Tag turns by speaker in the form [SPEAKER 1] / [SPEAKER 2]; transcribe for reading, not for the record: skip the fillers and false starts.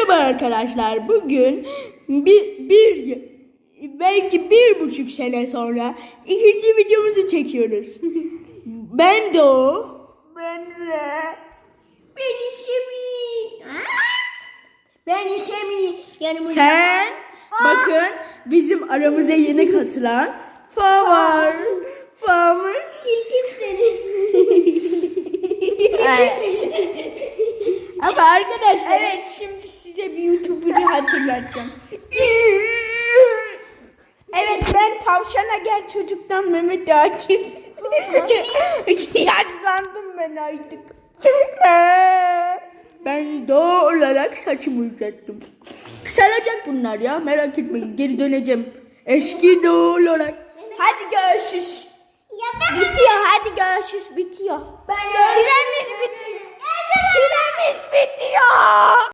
[SPEAKER 1] Merhaba arkadaşlar. Bugün belki 1,5 sene sonra ikinci videomuzu çekiyoruz. Ben Doğu. Ben
[SPEAKER 2] İşemi. Yani
[SPEAKER 1] Sen bakın bizim aramıza yeni katılan Fa var. Fa'mış.
[SPEAKER 2] Çirkin seni.
[SPEAKER 1] Ama arkadaşlar
[SPEAKER 2] Evet, şimdi size bir YouTuber'ı hatırlatacağım. Evet, ben Tavşana Gel Çocuk'tan Mehmet Akif.
[SPEAKER 1] Yaşlandım ben artık. Ben Doğu olarak saçımı uzattım. Kısalacak bunlar ya, merak etmeyin, geri döneceğim. Eski Doğu olarak.
[SPEAKER 2] Hadi görüşürüz. Bitiyor, hadi görüşürüz, bitiyor. Süremiz bitiyor. Süremiz bitiyor.